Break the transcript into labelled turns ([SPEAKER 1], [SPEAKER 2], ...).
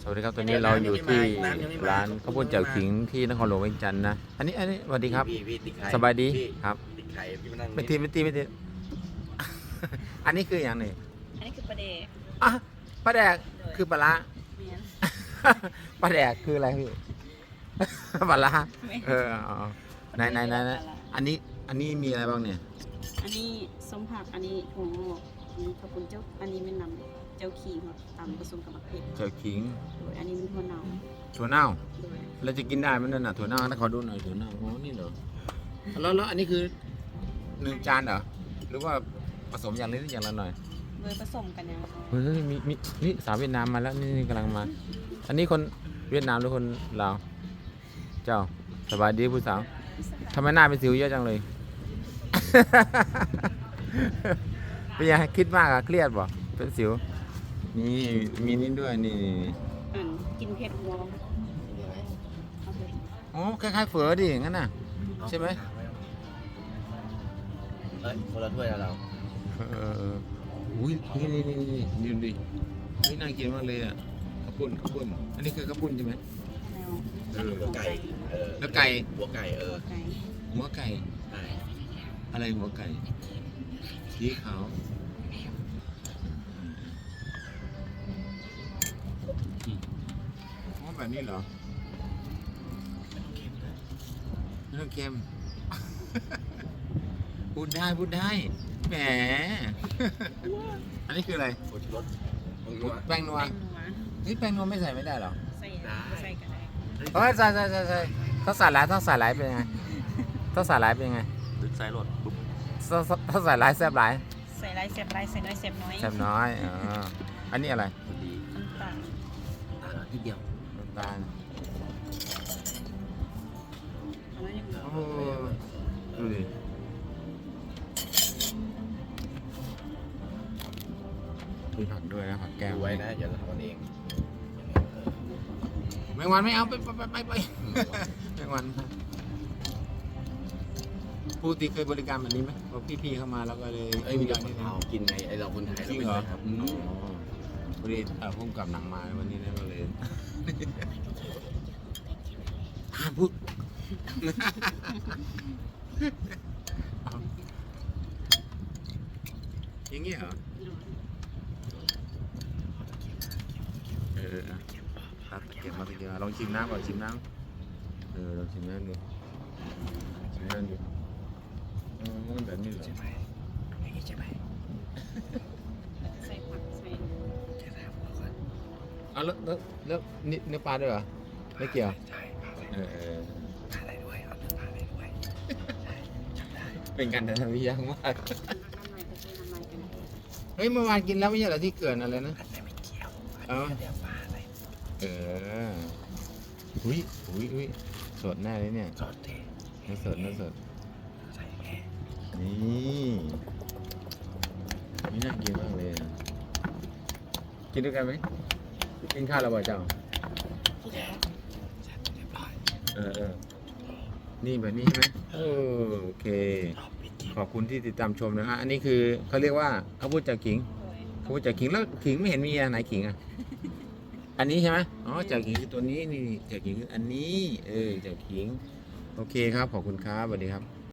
[SPEAKER 1] สวัสดีครับตอนนี้เราอยู่ที่ร้านข้าวปุ้นแจ่วขิงที่นครหลวงเวียงจันทร์นะอันนี้สวัสดีครับสบายดีครับไม่ตีอันนี้คืออย่างนี้
[SPEAKER 2] อันนี้คือปลาเดก
[SPEAKER 1] อ่ะปลาแดกคือปลาร้า
[SPEAKER 2] เมียน
[SPEAKER 1] ปลาแดกคืออะไรพี่ ปลาร้าไหนอันนี้มีอะไรบ้างเนี่ย
[SPEAKER 2] อันนี้ส้มผักอันนี้ถั่วงอกอันนี้ข้าวปุ้นเจ้าอันนี้เป็นน้ำเจ้าขิงครับตำผสมกับมะเขือ
[SPEAKER 1] แจ่วขิง
[SPEAKER 2] โดยอันนี้เป็นถั่วเน่า
[SPEAKER 1] ถั่วเน่า
[SPEAKER 2] โดย
[SPEAKER 1] เราจะกินได้ไหมนั่นน่ะถั่วเน่าถ้าขอดูหน่อยถั่วเน่าอ๋อนี่เหรอแล้วอันนี้คือ1 จานเหรอหรือว่าผสมอย่างนี้หรืออย่างละหน่อย
[SPEAKER 2] โดยผสมกันยัง
[SPEAKER 1] เฮ้ยมีนี่สาวเวียดนามมาแล้วนี่กำลังมา อันนี้คนเวียดนามหรือคนลาวเจ้าสบายดีผู้สาวทำไมหน้าเป็นสิวเยอะจังเลย เป็นยังคิดมากอะเครียดบ่เป็นสิวนี่มีนี่ด้วยนี่
[SPEAKER 2] กินเผ็ดหัว
[SPEAKER 1] อ๋อคล้ายๆเฝอดิงั้นน่ะใช่ไหม
[SPEAKER 3] คนละถ้วยแล้วเรา
[SPEAKER 1] อุ้ยนี่ดูดินี่น่ากินมากเลยอ่ะข้าวปุ้นอันนี้คือข้าวปุ้นใช่ไหม
[SPEAKER 3] หัวไก่
[SPEAKER 1] แล้วไก่
[SPEAKER 3] หัวไก่
[SPEAKER 1] หัวไก่อะไรหัวไก่สีขาวอ๋อแบบนี้เหรอไม่ต้องเค็มพูดได้แหมอันนี้คืออะไร
[SPEAKER 3] รส
[SPEAKER 1] แป้งนัวนี่แป้งนัวไม่ใส่ไม่ได้หรอ
[SPEAKER 2] ใส่กันได้
[SPEAKER 1] ใส่ถ้าใส่หลายเป็นยังไงถ้าใส่หลายเป็นยังไง
[SPEAKER 3] ใส่รส
[SPEAKER 1] ถ้าใส่หลายแซ่บหลาย
[SPEAKER 2] ใส่หลายแซ่บหลายใส่น้อยแซ่บน้อย
[SPEAKER 1] แซ่บน้อยอันนี้อะไร
[SPEAKER 2] น้ำตาล
[SPEAKER 3] ทีเดียว
[SPEAKER 1] น้ำตาลโอ้ดูดิมีผักด้วยนะผักแก้ว
[SPEAKER 3] ไว้นะอย่าทำเอง
[SPEAKER 1] ไม่วันไม่เอาไปไม่วันผู้ตีเคยบริการแบบนี้ไหมพอพี่เข้ามาแล้วก็เลย
[SPEAKER 3] มีเรากินไงไอเราคนไทย
[SPEAKER 1] จริงเหรอพอดีพุ่งกับหนังมาวันนี้ก็เลยพูดอย่างเงี้ยเหรอตัดเก็บมาลองชิมน้ำก่อนชิมน้ำลองชิมน้ำดูมันแบบนี้เหรอ
[SPEAKER 3] ใช่ไหมใช่ไหม
[SPEAKER 2] ใส่ผักใส่
[SPEAKER 3] แค่ถามก่อน
[SPEAKER 1] แล้วเนื้อปลาด้วยเหรอไม่เกี่ยว
[SPEAKER 3] ใช่ปลาอะไรด้วยเอาปลาอะไรด้วยจำได้
[SPEAKER 1] เป็นการทำที่ยากมากเฮ้ยเมื่อวานกินแล้วไม่ใช่เหรอที่เกิดอะไรนะ
[SPEAKER 3] ไม่เกี่ยวเดี๋ยวปลาอะไร
[SPEAKER 1] อุ้ยสดแน่เลยเนี่ย
[SPEAKER 3] สดดิ
[SPEAKER 1] เนื้อสด
[SPEAKER 3] ใส่แค่
[SPEAKER 1] นี่น่ากินมากเลยกินด้วยกันไหมกินข้าวแล้วบ่เจ้า
[SPEAKER 3] เรียบร้อย
[SPEAKER 1] นี่แบบนี้ใช่ไหมโอเคขอบคุณที่ติดตามชมนะฮะอันนี้คือเขาเรียกว่าข้าวปุ้นแจ่วขิงแล้วขิงไม่เห็นมีอันไหนขิงอ่ะอันนี้ใช่ไหมอ๋อแจ่วขิงคือตัวนี้นี่แจ่วขิงคืออันนี้แจ่วขิงโอเคครับขอบคุณครับสวัสดีครับ